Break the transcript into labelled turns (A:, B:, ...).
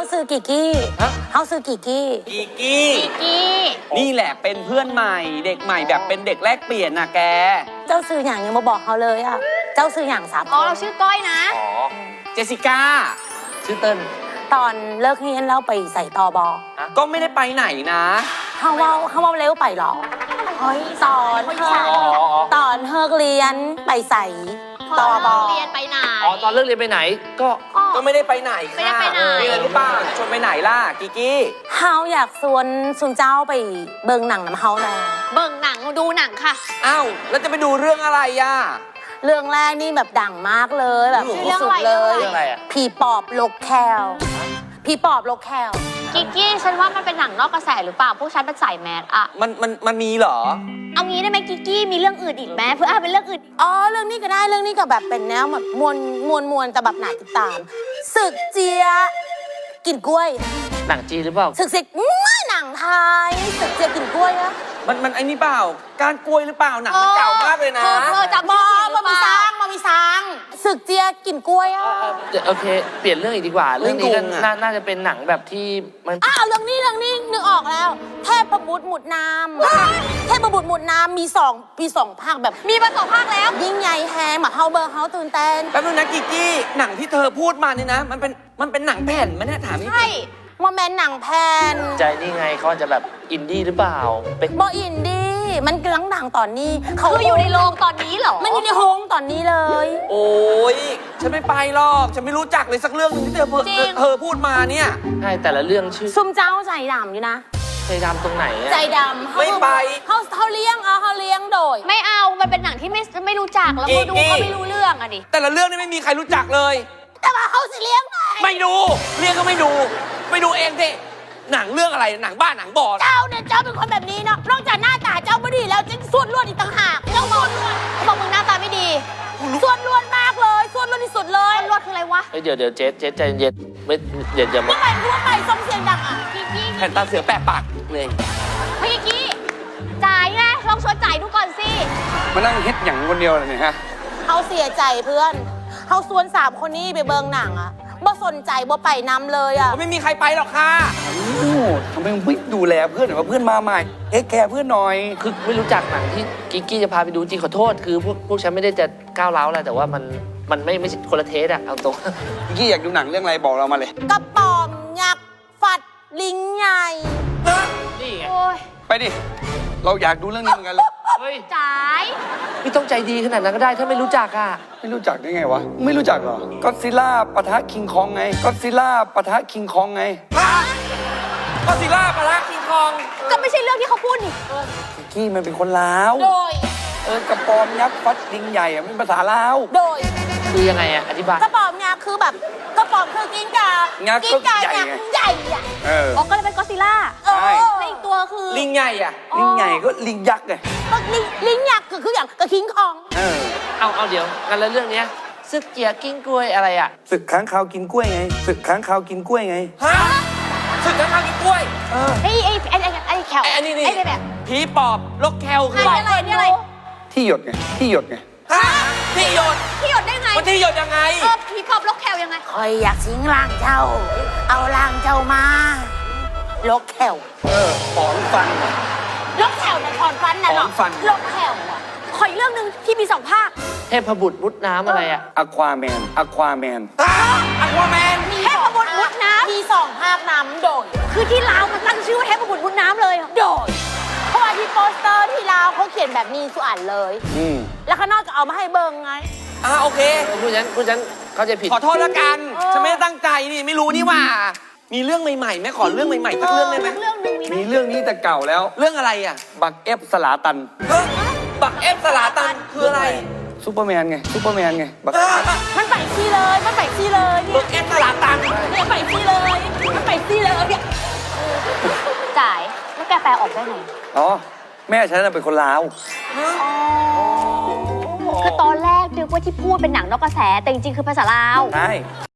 A: ซื้อกิกกี้เฮาซื้อกิกกี้
B: นี่แหละเป็นเพื่อนใหม่เด็กใหม่แบบเป็นเด็กแลกเปลี่ยนนะแก
A: เจ้าซื้ออย่างยังมาบอกเขาเลยอ่ะเจ้าซื้ออย่าง3 คน
C: เราชื่อก้อยนะ
B: อ๋อเจสสิก้าชื่อเติ้ล
A: ตอนเลิกเรียนเราไปใส่ตอบอ
B: ก็ไม่ได้ไปไหนนะ
A: เขาว่าเร็วไปหรอเฮ้ยตอนเลิกเรียนไปใส่ตอบอ
C: เรียนไปไหน
D: ตอนเลิกเรียนไปไหน
B: ก็ไม่ได้ไปไหน
C: ไม่ได้ไปไหน
B: มีอะไรหรือเปล่าชวนไปไหนล่ะกิกกี้
A: เฮาอยากชวนซุนเจ้าไปเบิ่งหนังน้ำเฮาหน่อย
C: เบิ่งหนังดูหนังค่ะ
B: อ้าวแล้วจะไปดูเรื่องอะไรอ่ะ
A: เรื่องแรกนี่แบบดังมากเลยแบบที่สุดเลยผีปอบลกแคลผีปอบลกแคล
C: กิกกี้ฉันว่ามันเป็นหนังนอกกระแสหรือเปล่าพวกฉันเป็นสายแมสอะ
B: มันมีเหรอ
C: เอางี้ได้ไหมกิกกี้มีเรื่องอื่นอีกไหมเพื่อเป็นเรื่องอื่น
A: เรื่องนี้ก็ได้เรื่องนี้ก็แบบเป็นแนวแบบมวลแต่แบบหนาติดตามศึกเจียกินกล้วย
D: หนังจีนหรือเปล่า
A: ศึกหนังไทยศึกเจียกินกล้วยนะ
B: มันไอ้นี่เปล่าการกล้วยหรือเปล่าหนังมันเก่ามากเลยนะ
A: จำมามีซังศึกเจียกินกล้วย
D: โอเคเปลี่ยนเรื่องอีกดีกว่าเรื่องนี้น่าจะเป็นหนังแบบที่มัน
A: เรื่องนี้นึกออกแล้วเทพบุตรหมุดน้ำเทพบุตรหมุดน้ำมี2 ภาคแบบ
C: มีมา2 ภาคแล้ว
A: ยิ่งใหญ่แฮมเฮาเบอร์เฮาตื่นเต้น
B: แป๊บนึงนะกิกกี้หนังที่เธอพูดมานี่นะมันเป็นหนังแผ่นมันเนี่ยถามนี่
A: ใช่ว่าแมนหนังแผ่น
D: ใจนี่ไงเขาจะแบบอินดี้หรือเปล่า
A: เป็นบออินดี้มันกำลังดังตอนนี้
C: คืออยู่ในโรงตอนนี้เหรอ
A: มันอยู่ในโรงตอนนี้เลย
B: โอ้ยฉันไม่ไปหรอกฉันไม่รู้จักเลยสักเรื่องนึงที่เธอพูดมาเนี่ย
D: ใช่แต่ละเรื่องชื่อ
A: ซุ่มเจ้าใจดำอยู่นะ
D: ใจดำตรงไหน
A: ใจดำ
B: ไม่ไป
A: เขาเลี้ยงโดย
C: ไม่เอามันเป็นหนังที่ไม่รู้จักแล้วก็ดูก็ไม่รู้เรื่องอะดิ
B: แต่ละเรื่องนี่ไม่มีใครรู้จักเลย
A: แต่ว่าเขาสิเลี้ยงไง
B: ไม่ดูเลี้ยงก็ไม่ดูเองสิหนังเรื่องอะไรหนังบ้านหนังบอ
A: เจ้าเป็นคนแบบนี้เนาะนอกจากหน้าตาเจ้าไม่ดีแล้วยังส่วนล้วนอีกต่างหาก
C: เจ้าบอกมึงหน้าตาไม่ดี
A: ส่วนล้วนมากเลยส่วนล้วนที่สุดเลย
C: ล้วนคืออะไรวะ
D: เดี๋ยวเจ๊ใจเย็นไม่อย่ามา
A: ทั่วไปส่งเสียงดังอ่ะ
B: แผ่นตาเสือแปะปากเลย
C: พี่กี้จ่ายไงลองชวนจ่ายดูก่อนสิ
B: มานั่งเฮ็ดอย่างคนเดียวเลยเนี่ยฮะ
A: เขาเสียใจเพื่อนเขาส่วน3 คนนี้ไปเบิงหนังอ่ะบ่สนใจบ่ไปนำเลยอ่ะ
B: ไม่มีใครไปหรอกค่ะทำไมไม่ดูแลเพื่อนหน่อยว่าเพื่อนมาใหม่แคร์เพื่อนหน่อย
D: คือไม่รู้จักหนังที่กิ๊กกี้จะพาไปดูจริงขอโทษคือพวกฉันไม่ได้จะก้าวร้าวอะไรแต่ว่ามันไม่ใช่คนละเทสอะเอาตรง
B: กิ๊กกี้อยากดูหนังเรื่องอะไรบอกเรามาเลย
A: กระป๋อมยักษ์ฟัดลิงใหญ่
D: นี่ไง
B: ไปดิเราอยากดูเรื่องนี้เหมือนกันเลย
C: จ่าย
D: ไม่ต้องใจดีขนาดนั้นก็ได้ถ้าไม่รู้จักอะ
B: ไม่รู้จักได้ไงวะไม่รู้จักเหรอก็ซิล่าปะทะคิงคองไงก็ซิล่าปะทะคิงคองไงก็ซิล่าปะทะคิงคอง
C: ก็ไม่ใช่เรื่องที่เขาพูดนี่
B: กิ๊กกี้มันเป็นคนลาว
A: โดย
B: กระป๋อมยักษ์ฟัดลิงใหญ่อะมันภาษาลาว
A: โดย
D: คือยังไงอะอธิบาย
A: กระป๋อมยักษ์คือแบบกระป๋อมคือกิ้งก่า
B: กิ้งก่ายักษ์
A: ใหญ่อะ
C: ก็เลยเป็นก็ซิล่าในอีกตัวคือ
B: ลิงใหญ่อะลิงใหญ่ก็ลิงยักษ์ไง
A: ลิงยักษ์คืออย่างกระคิงคอง
D: เอาเดี๋ยวกันแล้วเรื่องนี้ศึกเจียกิ้งกล้วยอะไรอะ
B: ศึกค้างคาวกินกล้วยไงศึกค้างคาวกินกล้วยไงฮะศึกค้างคาวกินกล้วย
C: ไอ้แคล
B: ไอ้นี่แบบผีปอบลกแคลคือ
C: อะไร
B: ที่หยดไงที่หยดไงฮะที่หยด
C: ได้ไง
B: มันที่หยดยังไง
C: ผีปอบลกแคลยังไง
A: คอยอยากสิงร่างเจ้าเอาร่างเจ้ามาลกแคล
B: ถอนฟัน
A: ลกแคลนะถอนฟันนะเนาะลกแคล
C: ขออีกเรื่องนึงที่มี2 ภาค
D: เทพบุตรมุดน้ำอะไรอะ
B: อควาแมน
C: เทพบุตรมุดน้ำ
A: มี2 ภาคน้ำโดย
C: คือที่ลาวมันตั้งชื่อว่าเทพบุตรมุดน้ำเลย
A: โดยเพราะว่าที่โปสเตอร์ที่ลาวเขาเขียนแบบนี้สุอันเลยแล้วข้างนอกก็เอามาให้เบิงไง
B: โอเค
D: ผู้ฉันเขาจะผิด
B: ขอโทษละกันฉันไม่ได้ตั้งใจนี่ไม่รู้นี่ว่ามีเรื่องใหม่ๆไหมขอเรื่องใหม่ๆสักเรื่องได้ไหมมีเรื่องนี้แต่เก่าแล้วเรื่องอะไรอ่ะบักเอฟสลาตันบักเอฟสลาตันคืออะไรซูเปอร์แมนไงบัก
A: มันไปซี่เลยบักเ
B: อฟสลาตัน
A: เนี่ยไปซี่เลยเนี่ย
C: จ่ายแล้วแกแปลออกได้ไง
B: แม่ฉันเป็นคนลาว
C: คือตอนแรกนึกว่าที่พูดเป็นหนังนอกกระแสแต่จริงๆคือภาษาลาว
B: ใช่